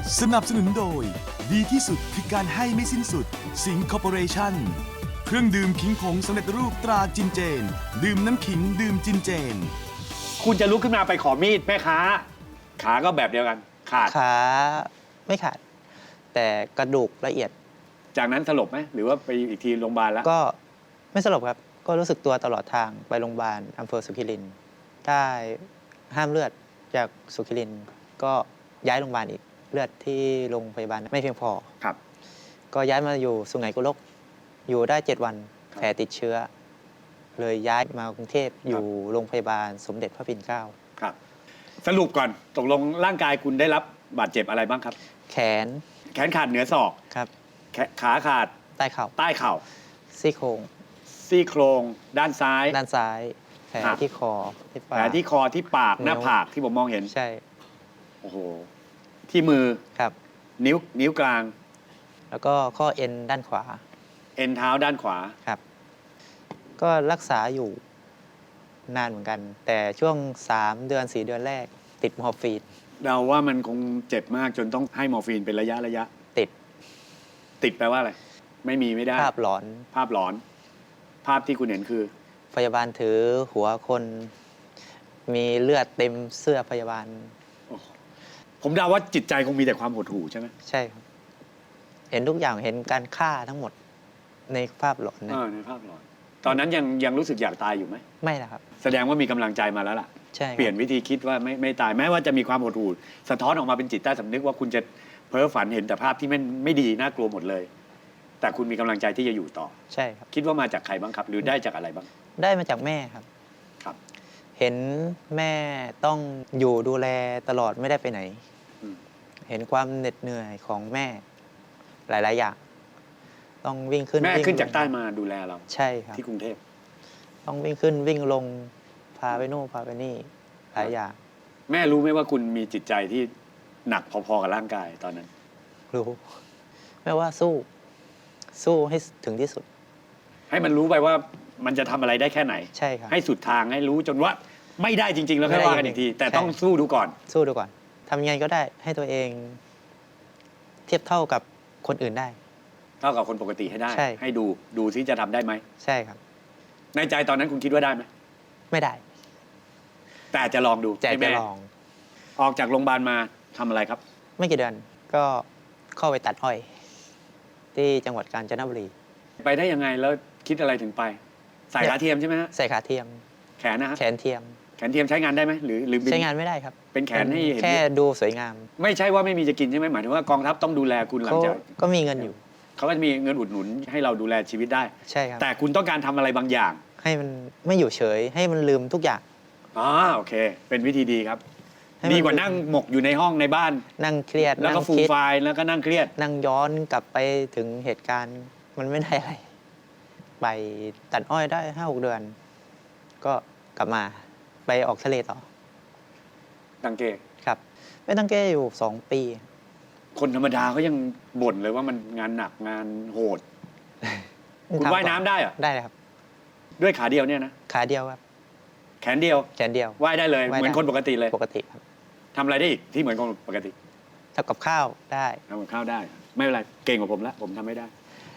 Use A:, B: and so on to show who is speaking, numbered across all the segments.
A: สนับสนุนโดยดีที่สุดคือการให้ไม่สิ้นสุดสิงห์คอร์ปอเรชั่นเครื่องดื่มขิงผงสำเร็จรูปตราจินเจนดื่มน้ำขิงดื่มจินเจน
B: คุณจะลุกขึ้นมาไปขอมีดแม่ค้าขาก็แบบเดียวกันขาด
C: ขาไม่ขาด แต่กระดูกละเอียด
B: จากนั้นสลบไหมหรือว่าไปอีกทีโรงพยาบาลแล้ว
C: ก็ไม่สลบครับ ก็รู้สึกตัวตลอดทางไปโรงพยาบาลอำเภอสุขิรินทร์ได้ห้ามเลือดจากสุขิรินทร์ก็ย้ายโรงพยาบาลอีกเลือดที่โรงพยาบาลไม่เพียงพอ
B: ครับ
C: ก็ย้ายมาอยู่สุไหงโกลกอยู่ได้ 7 วันแผลติดเชื้อ เลยย้ายมากรุงเทพอยู่โรงพยาบาลสมเด็จพระปิ่นเกล้า
B: ครับ สรุปก่อนตกลงร่างกายคุณได้รับบาดเจ็บอะไรบ้างครับ
C: แขน
B: แขนขาดเหนือศอก
C: ครับ
B: ขาขาด
C: ใต้เข่า
B: ใต้เข่า
C: ซี่โครง
B: ซี่โครงด้านซ้าย
C: ด้านซ้าย แผล
B: ครับ
C: ที่คอที่
B: แผ
C: ปา
B: ล
C: ก
B: ที่คอที่ปากหน้า
C: นิ้ว
B: ผากที่ผมมองเห็น
C: ใช่
B: โอ้โหที่มือ
C: ครับ
B: นิ้วกลาง
C: แล้วก็ข้อเอ็นด้านขวา
B: เอ็นเท้าด้านขวา
C: ครับ ก็รักษาอยู่นานเหมือนกัน แต่ช่วง 3 เดือน 4 เดือนแรก ติดมอร์ฟีน
B: เราว่ามันคงเจ็บมากจนต้องให้มอร์ฟีนเป็นระยะ
C: ติด
B: ติดแปลว่าอะไรไม่มีไม่ได้
C: ภาพหลอน
B: ภาพหลอน ภาพที่คุณเห็นคือ
C: พยาบาลถือหัวคน มีเลือดเต็มเสื้อพยาบาล
B: ผมเดาว่าจิตใจคงมีแต่ความหดหู่ใช่ไหม
C: ใช่ครับ เห็นทุกอย่างเห็นการฆ่าทั้งหมดในภาพหลอนนะ
B: ในภาพหลอน ตอนนั้นยังรู้สึกอยากตายอยู่ไหม
C: ไม่นะครับ
B: แสดงว่ามีกำลังใจมาแล้วล่ะ
C: ใช่ครับ
B: เปลี่ยนวิธีคิดว่าไม่ตายแม้ว่าจะมีความหดหู่สะท้อนออกมาเป็นจิตใต้สำนึกว่าคุณจะเพ้อฝันเห็นแต่ภาพที่ไม่ดีน่ากลัวหมดเลย แต่คุณมีกำลังใจที่จะอยู่ต่อ
C: ใช่ครับ
B: คิดว่ามาจากใครบ้างครับ หรือได้จากอะไรบ้าง
C: ได้มาจากแม่ครับ
B: ครับ
C: เห็นแม่ต้องอยู่ดูแลตลอดไม่ได้ไปไหน
B: อืม
C: เห็นความเหน็ดเหนื่อยของแม่หลาย ๆ อย่าง ต้องวิ่งขึ้น
B: แม่
C: วิ่ง
B: ขึ้นจาก
C: ลง
B: ใต้มาดูแลเรา
C: ใช่ครับ
B: ที่กรุงเทพ
C: ต้องวิ่งขึ้นวิ่งลงพาไปโน่นพาไปนี่หลายอย่าง
B: แม่รู้ไหมว่าคุณมีจิตใจที่หนักพอๆกับร่างกายตอนนั้น
C: รู้แม่ว่าสู้ให้ถึงที่สุด
B: ให้มันรู้ไปว่ามันจะทำอะไรได้แค่ไหน
C: ใช่ครับ
B: ให้สุดทางให้รู้จนว่าไม่ได้จริง ๆ แล้วค่อยว่ากันอีกที แต่ต้องสู้ดูก่อน
C: สู้ดูก่อนทำยังไงก็ได้ให้ตัวเอง เทียบเท่ากับคนอื่นได้
B: เท่ากับคนปกติให้ได้
C: ใช่
B: ให้ดูซิจะทำได้ไหม
C: ใช่ครับ
B: ในใจตอนนั้นคุณคิดว่าได้ไหม
C: ไม่ได้
B: แต่จะลองดู
C: แต่
B: ให้
C: จะ
B: แม่
C: ลอง
B: ออกจากโรงพยาบาลมาทำอะไรครับ
C: ไม่กี่เดือนก็เข้าไปตัดอ้อย ที่จังหวัดกาญจนบุรี
B: ไปได้ยังไงแล้วคิดอะไรถึงไปสายขาเทียมใช่ไหมฮะ
C: ใส่ขาเทียม
B: แขนนะฮะ
C: แขนเทียม
B: แขนเทียมใช้งานได้ไหมหรือบิ
C: ใช้งานไม่ได้ครับ
B: เป็นแขนให้เห็น
C: แค่ดูสวยงาม
B: ไม่ใช่ว่าไม่มีจะกินใช่ไหมหมายถึงว่ากองทัพต้องดูแลคุณหลัง
C: เขา
B: จาก
C: ก็มีเงินอยู่
B: เขาก็จะมีเงินอุดหนุนให้เราดูแลชีวิตได้
C: ใช่ครับ
B: แต่คุณต้องการทำอะไรบางอย่าง
C: ให้มันไม่อยู่เฉย ให้มันลืมทุกอย่าง
B: อ๋อโอเค เป็นวิธีดีครับ
C: ให้มัน
B: ดีกว่านั่งหมกอยู่ในห้องในบ้าน
C: นั่งเครียด
B: แล้วก็
C: นั่ง
B: ฟูม
C: คิด
B: ไฟล์แล้วก็นั่งเครียด
C: นั่งย้อนกลับไปถึงเหตุการณ์ มันไม่ได้อะไร ไปตัดอ้อยได้5-6 เดือน ก็กลับมาไปออกทะเลต่อ
B: ตังเก
C: ครับไปตั้งแก้อยู่ 2 ปี
B: คนธรรมดาเขายังบ่นเลยว่ามันงานหนักงานโหด คุณ
C: ทำ
B: ว่ายน้ำได้เหรอ
C: ได้เลยครับ
B: ด้วยขาเดียวเนี่ยนะ
C: ขาเดียวครับ
B: แขนเดียว
C: แขนเดียว
B: ว่ายได้เลย
C: ว่ายได้
B: เหมือนคนปกติเลย
C: ปกติครับ
B: ทำอะไรได้อีกที่เหมือนคนปกติ
C: ทำกับข้าวได้
B: ทำกับข้าวได้ ไม่เป็นไรเก่งกว่าผมแล้วผมทำไม่ได้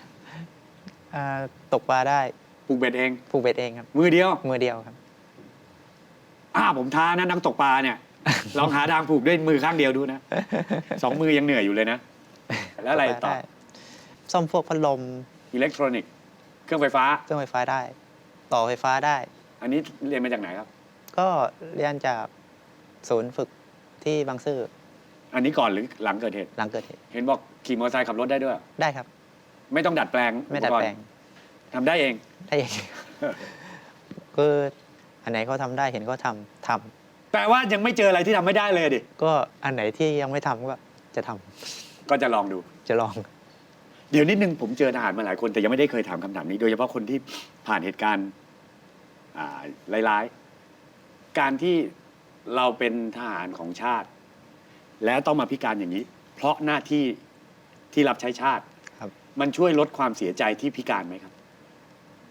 C: ตกปลาได้
B: ปลูกเบ็ดเอง
C: ผูกเบ็ดเองครับ
B: มือเดียว
C: มือเดียวครับ
B: ผมท้านะนักตกปลาเนี่ย ลองหาทางผูกด้วยมือข้างเดียวดูนะ 2 มือยังเหนื่อยอยู่เลยนะ แล้วอะไร
C: ตกป
B: ต่อ
C: ลาด้ซ่อมพวกพัดลม
B: อิเล็กทรอนิกส์เครื่องไฟฟ้า
C: เครื่องไฟฟ้าได้ ต่อไฟฟ้าได้
B: อันนี้เรียนมาจากไหนครับ
C: ก็เรียนจากศูนย์ฝึกที่บางซื่อ
B: อันนี้ก่อนหรือหลังเกิดเหตุ
C: หลังเกิดเหตุ
B: เห็นบอกขี่มอเตอร์ไซค์ขับรถได้ด้วย
C: ได้ครับ
B: ไม่ต้องดัดแปลง
C: ไม่ดัดแปลง
B: อุปกรณ์ทำได้เอง
C: ได้เอง คืออันไหนเขาทำได้เห็นเขาทำ
B: แปลว่ายังไม่เจออะไรที่ทำไม่ได้เลยดิ
C: ก็อันไหนที่ยังไม่ทำก็จะทำ
B: ก็จะลองดู
C: จะลอง
B: เดี๋ยวนิดนึงผมเจอทหารมาหลายคนแต่ยังไม่ได้เคยถามคำถามนี้ โดยเฉพาะคนที่ผ่านเหตุการณ์ร้ายๆ การที่เราเป็นทหารของชาติ แล้วต้องมาพิการอย่างนี้ เพราะหน้าที่ที่รับใช้ชาติ
C: ครับ
B: มันช่วยลดความเสียใจที่พิการไหมครับ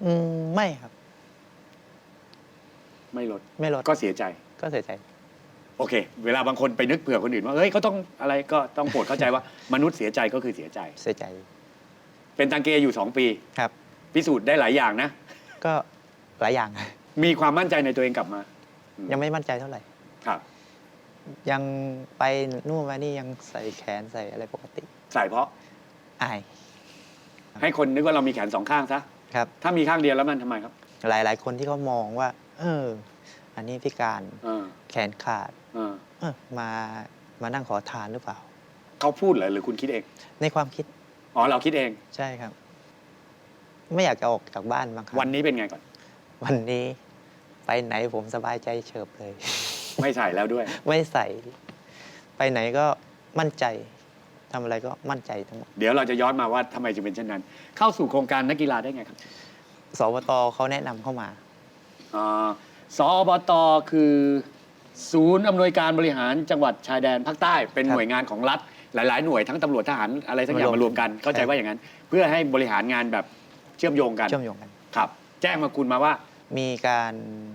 C: ไม่ครับ
B: ไม่ลด
C: ไม่ลด
B: ก็เสียใจ
C: ก็เสียใจ
B: โอเค เวลาบางคนไปนึกเผื่อคนอื่นว่าเฮ้ยเขาต้องอะไรก็ต้องโปรดเข้าใจว่ามนุษย์เสียใจก็คือเสียใจ
C: เสียใจ
B: เป็นตังเกอยู่ 2 ปี
C: ครับ
B: พิสูจน์ได้หลายอย่างนะ
C: ก็หลายอย่าง
B: มีความมั่นใจในตัวเองกลับมา
C: ยังไม่มั่นใจเท่าไหร่
B: ครับ
C: ยังไปนู่นมานี่ยังใส่แขนใส่อะไรปกติ
B: ใส่เพราะ
C: อาย
B: ให้คนนึกว่าเรามีแขน2 ข้างซะ
C: ครับ
B: ถ้ามีข้างเดียวแล้วมันทำไมครับ
C: หลายๆ คนที่เขามองว่า อันนี้พิการ
B: เออ
C: แขนขาด
B: เออ
C: มานั่งขอทานหรือเปล่า
B: เขาพูดเหรอหรือคุณคิดเอง
C: ในความคิด
B: อ๋อเราคิดเอง
C: ใช่ครับ ไม่อยากจะออกจากบ้านบางครั้ง
B: วันนี้เป็นไงก่อน
C: วันนี้ไปไหนผมสบายใจเฉิบเลย
B: ไม่ใส่แล้วด้วย
C: ไม่ใส่ ไปไหนก็มั่นใจทำอะไรก็มั่นใจทั้งหมด
B: เดี๋ยวเราจะย้อนมาว่าทำไมจึงเป็นเช่นนั้น เข้าสู่โครงการนักกีฬาได้ไงครับ
C: สวตเขาแนะนำเข้ามา
B: สอบตคือศูนย์อำนวยการบริหารจังหวัดชายแดนภาคใต้เป็น
C: ครับ
B: หน่วยงานของรัฐ หลาย ๆ หน่วยทั้งตำรวจทหารอะไรทั้งอย่าง
C: มารวม
B: มารวมกันเข้าใจว่าอย่างนั้น เพื่อให้บริหารงานแบบเชื่อมโยงกัน
C: เชื่อมโยงกัน
B: ครับ แจ้งมาคุณมาว่า
C: มีการ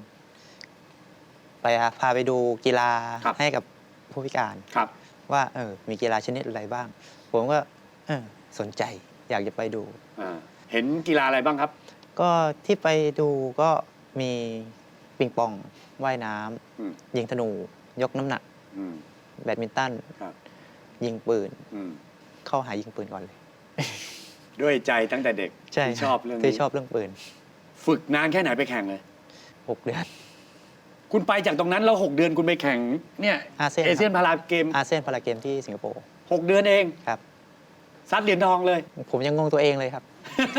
C: พาไปดูกีฬา
B: ครับ
C: ให้กับผู้พิการ
B: ครับ
C: ว่ามีกีฬาชนิดอะไรบ้าง ผมก็สนใจอยากจะไปดู
B: เห็นกีฬาอะไรบ้างครับ
C: ก็ที่ไปดูก็มีปิงปองว่ายน้
B: อืม
C: ำยิงธนู ยกน้ำหนัก
B: อืม
C: แบดมินตัน
B: ครับ
C: ยิงปืน
B: อืม
C: เข้าหายิงปืนก่อนเลย
B: ด้วยใจตั้งแต่เด็ก
C: ใช่
B: ที่ชอบเรื่อง
C: ที่
B: นี้
C: ชอบเรื่องปืน
B: ฝึกนานแค่ไหนไปแข่งเลย
C: 6 เดือน
B: คุณไปจากตรงนั้นแล้ว6 เดือนคุณไปแข่งเนี่ย
C: อาเซียน
B: เอเชียนพาราเกม
C: อาเซียนพาราเกมที่สิงคโปร์
B: 6 เดือนเอง
C: ครับ
B: ซัดเหรียญทองเลย
C: ผมยังงงตัวเองเลยครับ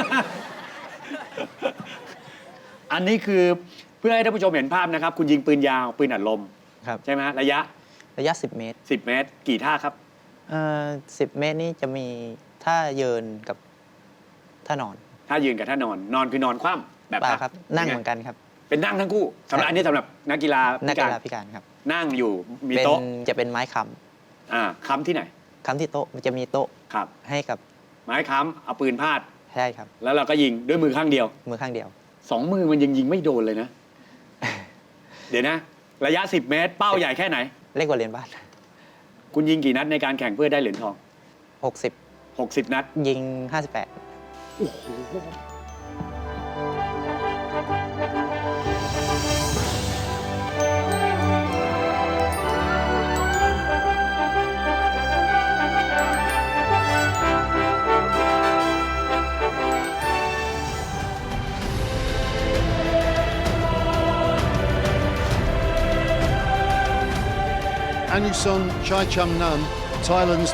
B: อันนี้คือเพื่อให้ท่านผู้ชมเห็นภาพนะครับ คุณยิงปืนยาวปืนอัดลม
C: ครับ
B: ใช่ไหมฮะระยะ
C: ระยะ 10 เมตร
B: 10 เมตร กี่ท่าครับ
C: 10 เมตรนี่จะมีท่าเยินกับท่านอน
B: ท่ายืนกับท่านอน นอนคือนอนคว่ำแบบ
C: เปล่าครับ นั่งเหมือนกันครับ
B: เป็นนั่งทั้งคู่สำหรับอันนี้สำหรับนักกีฬา
C: นัก
B: พิ
C: กี
B: การ
C: ฬาพิการครับ
B: นั่งอยู่มี
C: เป็น
B: โต๊ะ
C: จะเป็นไม้ค้
B: ค้ำที่ไหน
C: ำค้ำที่โต๊ะมันจะมีโต๊ะ
B: ครับ
C: ให้กับ
B: ไม้ค้ำเอาปืนพาด
C: ใช่ครับ
B: แล้วเราก็ยิงด้วยมือข้างเดียว
C: มือข้างเดียว
B: 2 มือมันยังยิงไม่โดนเลยนะ เดี๋ยวนะ ระยะ 10 เมตร เป้าใหญ่แค่ไหน
C: เล็กกว่าเหรียญบาท
B: คุณยิงกี่นัดในการแข่งเพื่อได้เหรียญทอง
C: 60
B: 60 นัด
C: ยิง 58
D: Anuson Chaicham-nam, Thailand's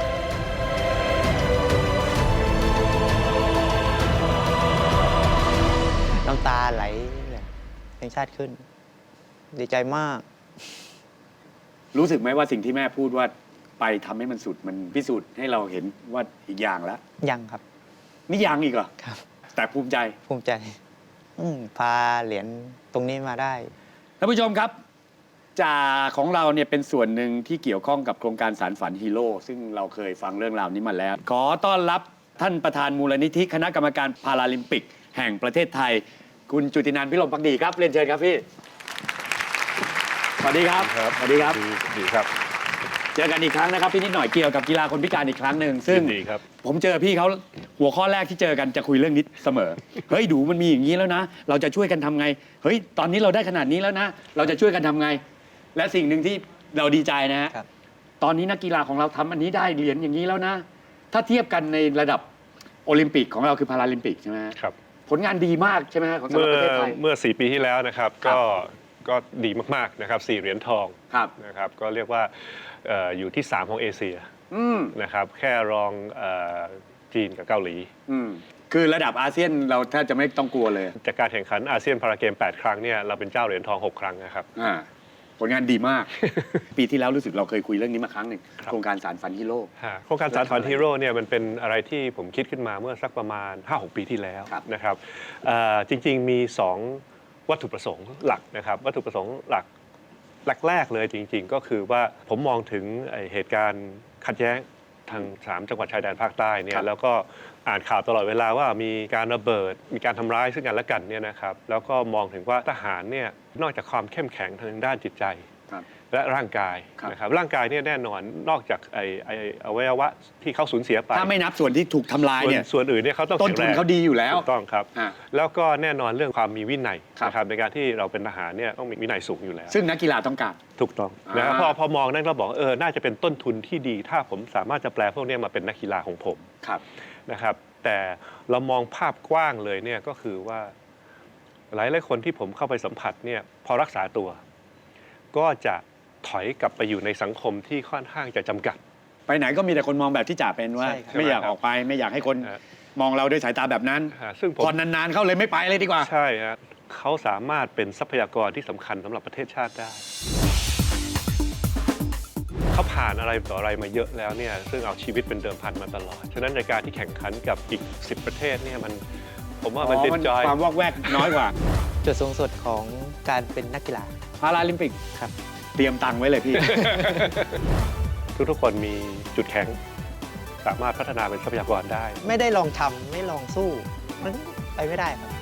C: น้ำตาไหลเลยเพลงชาติขึ้น ดีใจมาก
B: รู้สึกไหมว่าสิ่งที่แม่พูดว่าไปทำให้มันสุดมันพิสูจน์ให้เราเห็นว่าอีกอย่างแล้ว
C: ยังครับ
B: นี่ยังอีกเหรอ
C: ครับ
B: แต่ภูมิใจ
C: ภูมิใจ พาเหรียญตรงนี้มาได้
B: ท่านผู้ชมครับจ่าของเราเนี่ยเป็นส่วนหนึ่งที่เกี่ยวข้องกับโครงการสารฝันฮีโร่ซึ่งเราเคยฟังเรื่องราวนี้มาแล้ว ขอต้อนรับท่านประธานมูลนิธิคณะกรรมการพาราลิมปิก แห่งประเทศไทย คุณจุตินันท์พิรมภักดีครับเรียนเชิญครับพี่สวัสดีครับสวัสดีครับ
E: ดีครับ
B: เจอกันอีกครั้งนะครับพี่นิดหน่อยเกี่ยวกับกีฬาคนพิการอีกครั้งหนึ่งซึ่ง
E: ยินดีครับ
B: ผมเจอพี่เขาหัวข้อแรกที่เจอกันจะคุยเรื่องนี้เสมอ เฮ้ยดูมันมีอย่างนี้แล้วนะ เราจะช่วยกันทำไง เฮ้ยตอนนี้เราได้ขนาดนี้แล้วนะ เราจะช่วยกันทำไง และสิ่งหนึ่งที่เราดีใจนะฮะ
C: ครับ
B: ตอนนี้นักกีฬาของเราทำอันนี้ได้เหรียญอย่างนี้แล้วนะ ถ้าเทียบกันในระดับโอลิมปิกของเราคือพาราลิมปิกใช่ไหมฮะ
E: ครับ
B: ผลงานดีมากใช่ไหมฮะของสำหรับประเทศไทย
E: เมื่อ 4 ปีที่แล้วนะครับ
B: ครับ
E: ก็ดีมากๆนะครับ4 เหรียญทอง
B: ครับ
E: นะครับ ก็เรียกว่าอยู่ที่ 3 ของเอเชีย
B: อืม
E: นะครับ แค่รองจีนกับเกาหลี
B: อืมคือระดับอาเซียนเราแทบจะไม่ต้องกลัวเลย
E: จากการแข่งขันอาเซียนพาราเกม 8 ครั้งเนี่ยเราเป็นเจ้าเหรียญทอง 6 ครั้งนะครับ
B: ผลงานดีมาก ปีที่แล้วรู้สึกเราเคยคุยเรื่องนี้มาครั้งหนึ่ง
E: ครับ
B: โครงการสารฝันฮีโร่
E: โครงการสารฝันฮีโร่เนี่ยมันเป็นอะไรที่ผมคิดขึ้นมาเมื่อสักประมาณ 5-6 ปีที่แล้ว
B: ครับ
E: นะครับจริงๆมี 2 วัตถุประสงค์หลักนะครับวัตถุประสงค์หลักแรกๆเลยจริงๆ ก็คือว่าผมมองถึงเหตุการณ์ขัดแย้งทาง3 จังหวัดชายแดนภาคใต้เนี่
B: ครั
E: ย
B: บ
E: แล้วก็อ่านข่าวตลอดเวลาว่ามีการระเบิดมีการทำร้ายซึ่งกันและกันเนี่ยนะครับแล้วก็มองถึงว่าทหารเนี่ยนอกจากความเข้มแข็งทางด้านจิตใจ
B: ครับ
E: และร่างกาย
B: ครับ
E: นะครับร่างกายเนี่ยแน่นอนนอกจากไอ้อวัยวะที่เขาสูญเสียไป
B: ถ้าไม่นับส่วนที่ถูกทำลายเนี่ย
E: ส่วนอื่นเนี่ยเขาต้อง
B: ต้น
E: แข็ง
B: ทุ
E: แร
B: น
E: ง
B: เขาดีอยู่แล้ว
E: ถูกต้องครับ
B: อ่ะ
E: แล้วก็แน่นอนเรื่องความมีวินัย
B: ครับ
E: นะครับในการที่เราเป็นทหารเนี่ยต้องมีวินัยสูงอยู่แล้ว
B: ซึ่งนักกีฬาต้องการ
E: ถูกต้องนะครับ
B: อ่า
E: พอมองนั่นเราบอกน่าจะเป็นต้นทุนที่ดี ถ้าผมสามารถจะแปลพวกเนี้มาเป็นนักกีฬาของผม
B: ครับ
E: นะครับ แต่เรามองภาพกว้างเลยเนี่ยก็คือว่าหลายคนที่ผมเข้าไปสัมผัสเนี่ยพอรักษาตัว ก็จะถอยกลับไปอยู่ในสังคมที่ค่อนข้างจะจำกัด
B: ไปไหนก็มีแต่คนมองแบบที่จ่าเป็นว่า
C: ใช่ครับ
B: ไม่อยากออกไปไม่อยากให้คน
E: ฮะ
B: มองเราด้วยสายตาแบบนั้น
E: ซึ่งผม
B: พอนานๆเข้าเลยไม่ไปเลยดีกว่า
E: ใช่ฮะเขาสามารถเป็นทรัพยากรที่สำคัญสำหรับประเทศชาติได้ เขาผ่านอะไรต่ออะไรมาเยอะแล้วเนี่ยซึ่งเอาชีวิตเป็นเดิมพันมาตลอด ฉะนั้นในการที่แข่งขันกับอีก 10 ประเทศเนี่ยผมว่ามันเด็นจอย
B: ความวอกแวกน้อยกว่า
C: จุดสูงสุดของการเป็นนักกีฬา
B: พาราลิมปิก
C: ครับ
B: เตรียมตังค์ไว้เลยพี่
E: ทุกๆคนมีจุดแข็ง สามารถพัฒนาเป็นทรัพยากรได้
C: ไม่ได้ลองทำไม่ลองสู้ มันไปไม่ได้ครับ